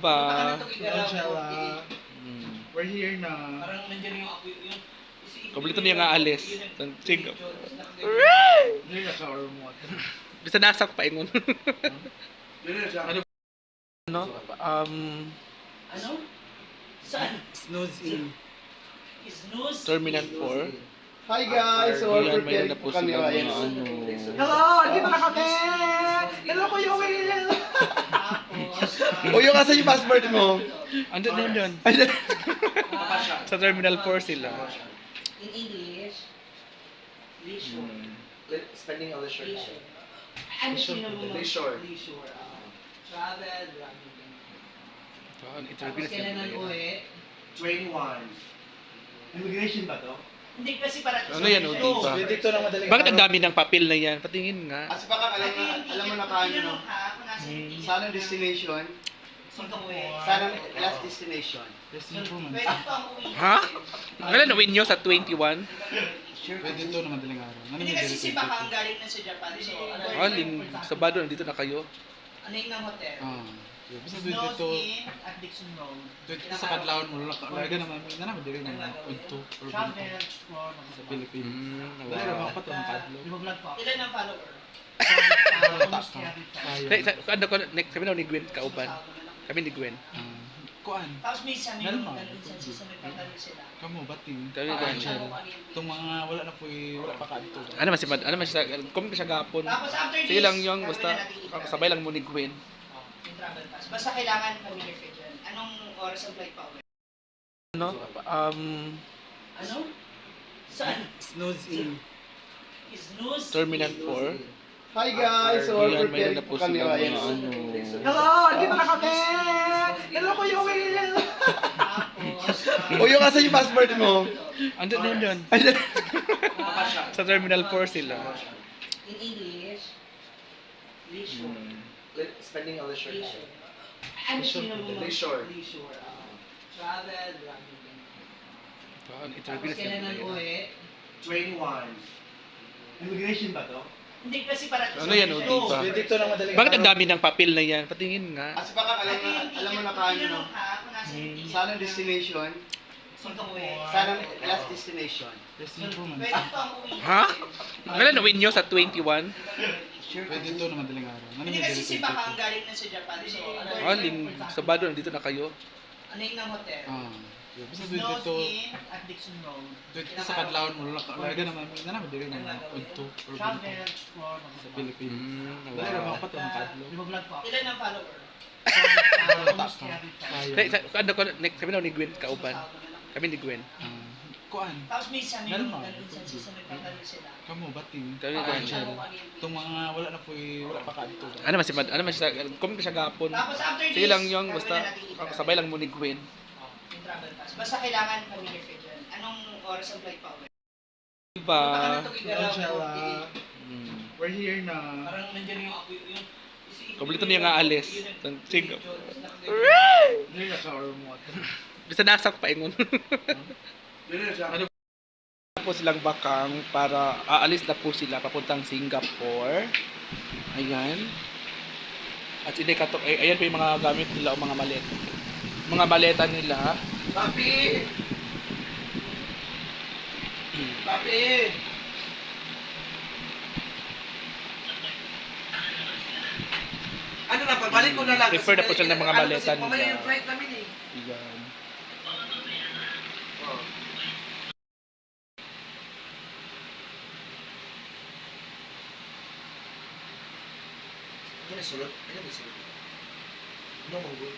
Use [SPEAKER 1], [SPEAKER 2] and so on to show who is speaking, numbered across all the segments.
[SPEAKER 1] ba?
[SPEAKER 2] Coachella.
[SPEAKER 1] Hmm.
[SPEAKER 2] We're here na.
[SPEAKER 3] Parang nandiyan yung ako yung
[SPEAKER 1] Kompleto niya nga alis. Sige.
[SPEAKER 2] Hindi na sa ormot.
[SPEAKER 1] Bisa nasa ko paingon.
[SPEAKER 2] Ano?
[SPEAKER 3] Ano? Saan?
[SPEAKER 2] Snooze in.
[SPEAKER 3] Snooze?
[SPEAKER 1] Terminal 4.
[SPEAKER 2] Hi guys! So,
[SPEAKER 1] Ayan,
[SPEAKER 2] we're
[SPEAKER 1] mayroon
[SPEAKER 2] preparing
[SPEAKER 1] na po
[SPEAKER 2] po kami.
[SPEAKER 1] sila
[SPEAKER 2] Ayan.
[SPEAKER 1] mga ano.
[SPEAKER 2] Hello! Dito na kami! Hello, Kuya Will! O, yung asa yung passport mo?
[SPEAKER 1] Andun na yun. Sa Terminal 4 sila.
[SPEAKER 3] In English? Leisure.
[SPEAKER 2] Spending a leisure
[SPEAKER 3] Leisure. Ano sino mo?
[SPEAKER 2] Leisure.
[SPEAKER 3] Leisure. Travel,
[SPEAKER 1] Interview na
[SPEAKER 3] tapos kailan
[SPEAKER 1] sila.
[SPEAKER 3] nag-uwi?
[SPEAKER 2] 21. Immigration ba to?
[SPEAKER 3] Hindi kasi para
[SPEAKER 1] Ano yan, o, diba?
[SPEAKER 2] Dito na madaling
[SPEAKER 1] Bakit ang dami ng papel na yan? Patingin nga.
[SPEAKER 2] Kasi baka alam mo na paano, no? Saan ang destination? Saan ang last destination?
[SPEAKER 3] Pwede pa ang uwi.
[SPEAKER 1] Ha? Kailan nawin nyo sa 21?
[SPEAKER 2] Pwede ito na madaling araw.
[SPEAKER 3] Hindi kasi si Baka ang galing na sa Japan. So,
[SPEAKER 1] Aling, Sabado, nandito na kayo.
[SPEAKER 3] ano yung ng hotel?
[SPEAKER 2] Basta
[SPEAKER 3] Snows
[SPEAKER 2] dito,
[SPEAKER 3] in at Dixon Road.
[SPEAKER 2] dito sa Kadlawan mo, lalaga naman, na naman din rin mga punto or
[SPEAKER 3] Travel,
[SPEAKER 2] punto
[SPEAKER 3] explore,
[SPEAKER 2] sa Pilipinas. Wala
[SPEAKER 1] Wow.
[SPEAKER 2] na mga pato ng kadlo.
[SPEAKER 3] Ilan ang follower?
[SPEAKER 1] Ano ko, next kami na ni Gwen kauban. Kami ni Gwen.
[SPEAKER 2] Kuan,
[SPEAKER 3] Tapos may isa may
[SPEAKER 2] Normal.
[SPEAKER 3] minsan sa may pagkalit sila.
[SPEAKER 2] kamo bating.
[SPEAKER 1] Kami ni Gwen.
[SPEAKER 2] Itong mga wala na po wala pa kadto.
[SPEAKER 1] Ano man si ano man siya, kung siya gapon.
[SPEAKER 3] Tapos after this,
[SPEAKER 1] Sige lang yung
[SPEAKER 3] gagawin
[SPEAKER 1] basta
[SPEAKER 3] na natin yung travel.
[SPEAKER 1] sabay lang mo ni Gwen.
[SPEAKER 3] Yung travel pass. Basta kailangan familiar ka dyan. Anong oras ang flight pa uwi?
[SPEAKER 1] Ano?
[SPEAKER 3] Ano? Saan?
[SPEAKER 2] Snooze in.
[SPEAKER 3] Snooze?
[SPEAKER 1] Terminal 4.
[SPEAKER 2] Hi guys! So,
[SPEAKER 1] Ayan, mayroon
[SPEAKER 2] preparing
[SPEAKER 1] na
[SPEAKER 2] po
[SPEAKER 1] po
[SPEAKER 2] kami.
[SPEAKER 1] sila
[SPEAKER 2] Ayan.
[SPEAKER 1] mga ano.
[SPEAKER 2] Hello! Dito na kami! Hello, Kuya Will!
[SPEAKER 3] Tapos,
[SPEAKER 2] O, yung asa yung passport mo?
[SPEAKER 1] Andun na yun. Sa Terminal 4 sila.
[SPEAKER 3] in English, leisure.
[SPEAKER 2] Spending a leisure
[SPEAKER 3] Leisure. Ano sino mo?
[SPEAKER 2] Leisure.
[SPEAKER 3] Leisure. Travel,
[SPEAKER 1] Interview
[SPEAKER 3] tapos
[SPEAKER 1] na sila.
[SPEAKER 3] kailan nag-uwi?
[SPEAKER 2] 21. Immigration ba to?
[SPEAKER 3] Hindi kasi para
[SPEAKER 1] Ano yan, o, diba?
[SPEAKER 2] Dito na madaling
[SPEAKER 1] Bakit ang dami ng papel na yan? Patingin nga.
[SPEAKER 2] Kasi baka alam mo na paano, no? Saan ang destination? Saan ang last destination?
[SPEAKER 3] Pwede pa ang uwi.
[SPEAKER 1] Ha? Kailan nawin nyo sa 21?
[SPEAKER 2] Pwede ito na madaling araw.
[SPEAKER 3] Hindi kasi si Baka ang galing na sa Japan. So,
[SPEAKER 1] Aling, Sabado, nandito na kayo.
[SPEAKER 3] ano yung ng hotel?
[SPEAKER 2] Basta
[SPEAKER 3] Snows
[SPEAKER 2] dito,
[SPEAKER 3] in at Dixon Road.
[SPEAKER 2] dito sa Kadlawan mo, lalaga naman, na naman din rin mga punto or punto
[SPEAKER 3] Travel, explore,
[SPEAKER 2] sa Pilipinas. Wala na
[SPEAKER 1] Wow.
[SPEAKER 2] mga pato ng kadlo.
[SPEAKER 3] Ilan ang follower?
[SPEAKER 1] Ano ko, next kami na ni Gwen kauban. Kami ni Gwen.
[SPEAKER 2] Kuan,
[SPEAKER 3] Tapos may isa may
[SPEAKER 2] Normal.
[SPEAKER 3] minsan sa may pagkalit sila.
[SPEAKER 2] kamo bating.
[SPEAKER 1] Kami ni Gwen.
[SPEAKER 2] Itong mga wala na po wala pa kadto.
[SPEAKER 1] Ano man si ano man siya, kung siya gapon.
[SPEAKER 3] Tapos after this,
[SPEAKER 1] Sige lang yung
[SPEAKER 3] gagawin
[SPEAKER 1] basta
[SPEAKER 3] na natin yung travel.
[SPEAKER 1] sabay lang mo ni Gwen.
[SPEAKER 3] Yung travel pass. Basta kailangan familiar ka dyan. Anong oras ang flight pa uwi?
[SPEAKER 1] Diba?
[SPEAKER 2] Coachella. We're here na.
[SPEAKER 3] Parang nandiyan yung ako yung
[SPEAKER 1] Kompleto niya nga alis. Sige.
[SPEAKER 2] Hindi na sa ormot.
[SPEAKER 1] Bisa nasa ko paingon. Ano po silang bakang para aalis na po sila papuntang Singapore. Ayan. At hindi katok, ayan po yung mga gamit nila o mga maleta. Mga maleta nila.
[SPEAKER 2] Papi! Papi!
[SPEAKER 4] Ano na, pagbalik ko na lang.
[SPEAKER 1] Refer na po sila ng mga maleta
[SPEAKER 4] Ano kasi mamaya
[SPEAKER 1] nila.
[SPEAKER 4] yung flight namin eh.
[SPEAKER 1] Ayan.
[SPEAKER 4] Ano na sulot? Ano na sulot? Ano manggol?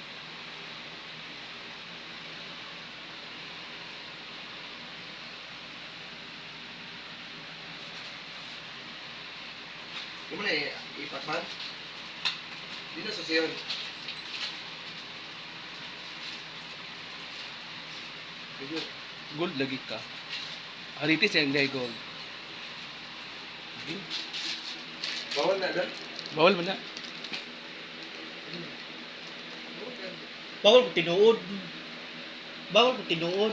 [SPEAKER 4] Yung mo na ipatman? Dito sa siyon. Medyo.
[SPEAKER 1] Gold lagi ka. Haritis yung gay gold.
[SPEAKER 4] Bawal na doon?
[SPEAKER 1] Bawal mo na.
[SPEAKER 3] Bawal ko tinuod. Bawal ko tinuod.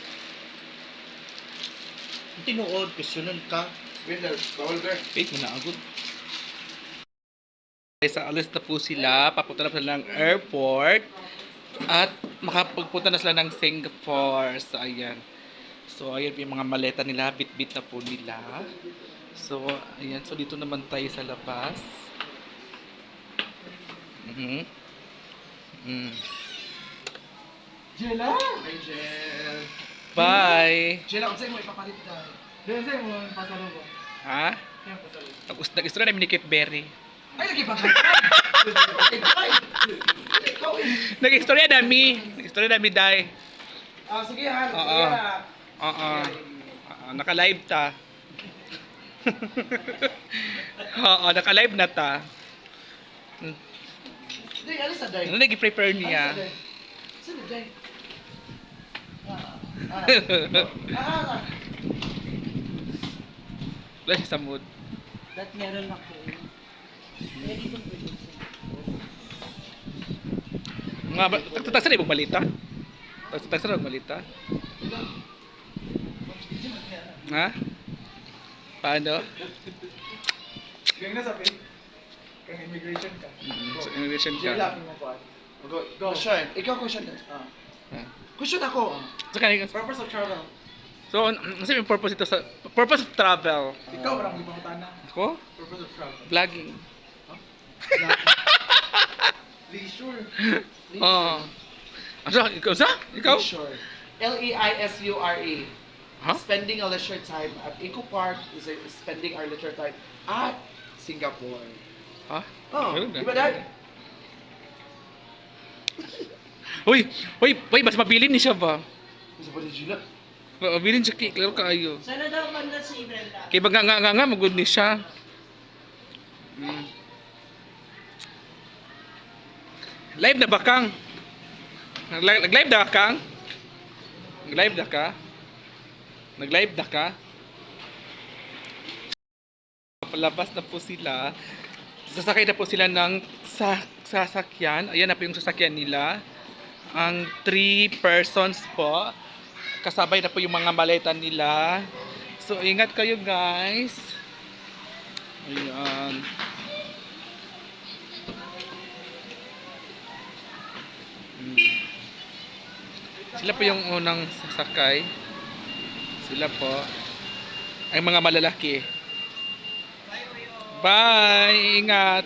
[SPEAKER 3] Tinuod, questionan ka.
[SPEAKER 4] Winner, bawal ka.
[SPEAKER 1] Wait mo na agad. Sa alis na po sila, papunta na po sila ng airport at makapagpunta na sila ng Singapore. So, ayan. So, ayan yung mga maleta nila, bit-bit na po nila. So, ayan. So, dito naman tayo sa labas.
[SPEAKER 4] Jela! Ay, Jel.
[SPEAKER 1] Bye!
[SPEAKER 4] Jela, kung sa'yo mo ipapalit tayo. Jela, sa'yo mo pasalubong.
[SPEAKER 1] Ha?
[SPEAKER 4] Yan, pasalubong.
[SPEAKER 1] Nag-istorya namin ni Kate Berry.
[SPEAKER 4] Ay, lagi pa kayo. Ikaw eh.
[SPEAKER 1] Nag-istorya namin. Nag-istorya namin, Day.
[SPEAKER 4] Ah, sige ha.
[SPEAKER 1] Oo. Oo. Naka-live ta. Oo, naka-live na ta.
[SPEAKER 4] Day, alis na, Day.
[SPEAKER 1] Ano nag-prepare niya?
[SPEAKER 4] Saan na, Day?
[SPEAKER 1] Wala siya sa mood.
[SPEAKER 3] Dat meron ako. Ready to produce.
[SPEAKER 1] Mga ba, tagsa na ibang balita? Tagsa na ibang balita? Ha? Paano?
[SPEAKER 4] Ganyan na sabi. Kang immigration ka.
[SPEAKER 1] So, immigration
[SPEAKER 4] Jela,
[SPEAKER 1] ka.
[SPEAKER 4] mo po. Go. Question. Ikaw question. Question ako.
[SPEAKER 1] So, kanina,
[SPEAKER 4] Purpose of travel.
[SPEAKER 1] so, ano yung purpose ito sa... Purpose of travel?
[SPEAKER 4] Ikaw, parang ibang tana.
[SPEAKER 1] Ako?
[SPEAKER 4] Purpose of travel.
[SPEAKER 1] Vlogging.
[SPEAKER 4] Leisure.
[SPEAKER 1] Oo. Ano? Ikaw sa? Ikaw?
[SPEAKER 4] Leisure. Leisure.
[SPEAKER 1] Ha?
[SPEAKER 4] Spending a leisure time at Eco Park is spending our leisure time at Singapore.
[SPEAKER 1] Ha?
[SPEAKER 4] Oh,
[SPEAKER 1] Ganun na.
[SPEAKER 4] di ba, Dad?
[SPEAKER 1] Uy, mas mabilin ni siya ba?
[SPEAKER 4] Isa pa rin sila.
[SPEAKER 1] Mabilin siya, klaro kaayo.
[SPEAKER 3] Sana daw banda si Brenda.
[SPEAKER 1] Kaya baga nga, magod ni siya. Live na ba, Kang? Nag-live na ka, Kang? Nag-live na ka? Nag-live na ka? Palabas na po sila. Sasakay na po sila ng sasakyan. Ayan na po yung sasakyan nila. Ang 3 persons po. Kasabay na po yung mga maleta nila. So, ingat kayo, guys. Ayan. Sila po yung unang sasakay. Sila po. Ang mga malalaki. Bye! Ingat!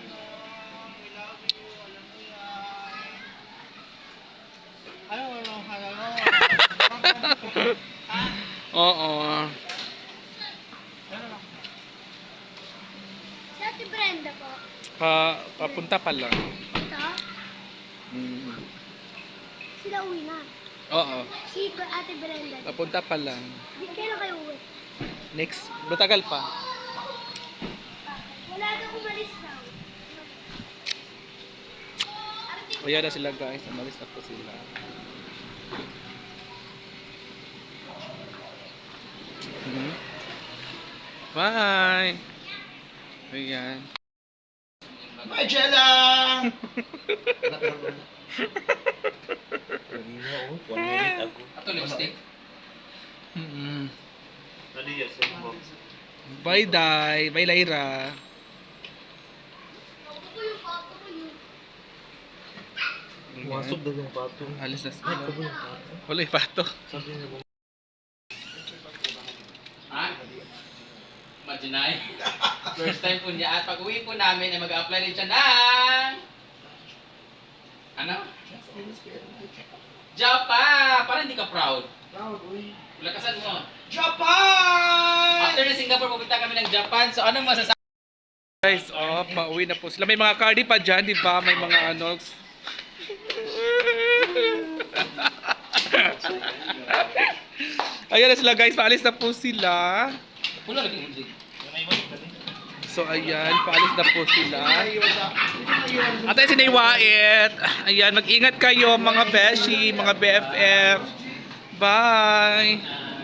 [SPEAKER 1] Oo.
[SPEAKER 5] Si Ate Brenda po.
[SPEAKER 1] Papunta pa lang.
[SPEAKER 5] Ito? Sila uwi na.
[SPEAKER 1] Oo.
[SPEAKER 5] Si Ate Brenda.
[SPEAKER 1] Papunta pa lang.
[SPEAKER 5] Kailan kayo uwi?
[SPEAKER 1] Next. Matagal pa.
[SPEAKER 5] Wala daw umalis daw.
[SPEAKER 1] Kaya na sila, guys. Umalis na po sila. Bye! Ayan.
[SPEAKER 4] Bye, Jella!
[SPEAKER 2] Ato lipstick.
[SPEAKER 1] Bye, Day. Bye, Lyra. Masok daw yung pato. Alis na sila. Wala yung pato.
[SPEAKER 2] Ha? Majinay. First time po niya. At pag uwi po namin ay mag-apply rin siya ng... Ano? Japan! Parang hindi ka proud.
[SPEAKER 4] Proud, uy.
[SPEAKER 2] Lakasan mo.
[SPEAKER 4] Japan!
[SPEAKER 2] After na Singapore, pupunta kami ng Japan. So, anong masasabi?
[SPEAKER 1] Guys, pauwi na po sila. May mga cardi pa dyan, di ba? May mga ano. Ayan na sila, guys. Paalis na po sila.
[SPEAKER 2] Pulo lagi music.
[SPEAKER 1] So, ayan. Paalis na po sila. At ayun si Naywait. Ayan, mag-ingat kayo mga beshi, mga BFF. Bye!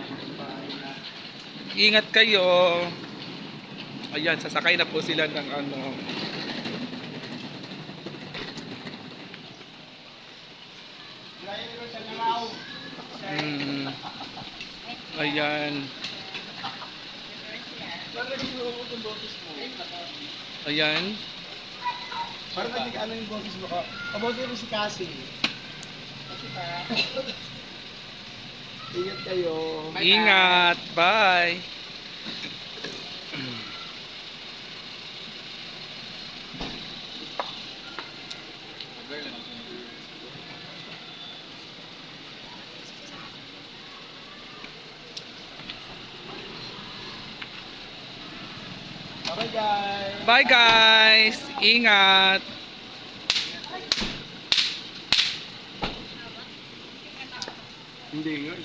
[SPEAKER 1] Ingat kayo. Ayan, sasakay na po sila ng ano. Ayan. Ayan.
[SPEAKER 6] Parang naging ano yung boses mo ka. Kabote mo si Cassie. Ingat kayo.
[SPEAKER 2] Bye-bye.
[SPEAKER 1] Ingat. Bye.
[SPEAKER 6] Bye guys.
[SPEAKER 1] Bye guys. Ingat.
[SPEAKER 6] Hindi yun.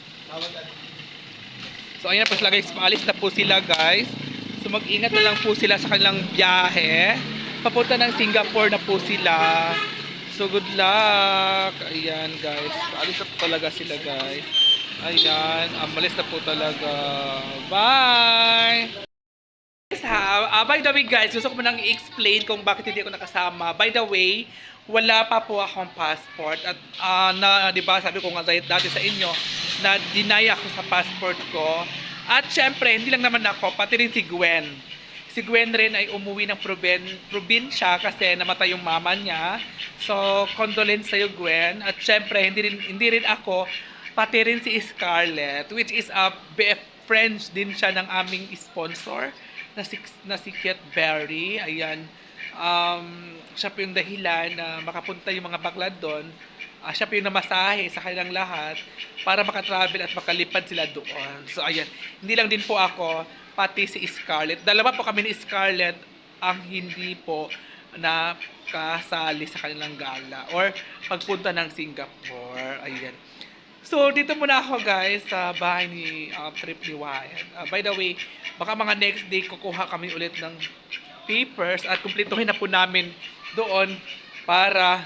[SPEAKER 1] So ayan na po sila guys, paalis na po sila guys. So mag-ingat na lang po sila sa kanilang biyahe. Papunta ng Singapore na po sila. So good luck. Ayan guys, paalis na po talaga sila guys. Ayan, amalis na po talaga. Bye! Guys, by the way guys, gusto ko munang i-explain kung bakit hindi ako nakasama. By the way, wala pa po akong passport at na 'di ba sabi ko nga dati sa inyo na deny ako sa passport ko. At syempre, hindi lang naman ako, pati rin si Gwen. Si Gwen rin ay umuwi ng probinsya kasi namatay yung mama niya. So, condolence sa'yo Gwen. At syempre, hindi rin ako, pati rin si Scarlett, which is a BF friends din siya ng aming sponsor na si Kit Berry. Ayan. Siya po yung dahilan na makapunta yung mga bakla doon. Siya po yung namasahe sa kanilang lahat para makatravel at makalipad sila doon. So, ayan. Hindi lang din po ako, pati si Scarlett. Dalawa po kami ni Scarlett ang hindi po nakasali sa kanilang gala or pagpunta ng Singapore. Ayan. So, dito muna ako guys sa bahay ni Trip ni Wyatt. By the way, baka mga next day kukuha kami ulit ng papers at kumpletuhin na po namin doon para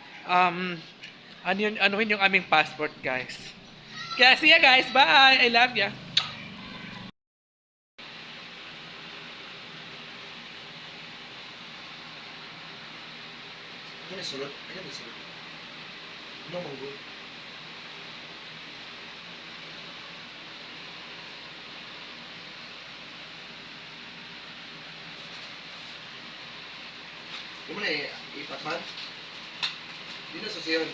[SPEAKER 1] anuhin yung aming passport guys. Kaya see ya guys, bye! I love ya!
[SPEAKER 6] Ano yung sulot? Ano yung sulot? Ano mong good? Hindi mo na ipatman? Hindi na susiyon.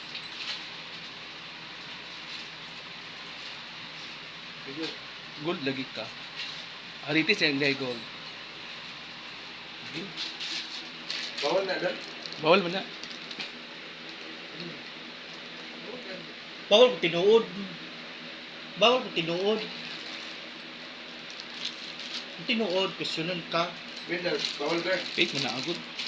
[SPEAKER 1] Gold lagi ka. Aritis yung gold.
[SPEAKER 6] Bawal na doon?
[SPEAKER 1] Bawal mo na.
[SPEAKER 7] Bawal ko tinuod. Bawal ko tinuod. Tinuod, kusyonan ka.
[SPEAKER 6] Winner, bawal ka.
[SPEAKER 1] Wait mo na agad.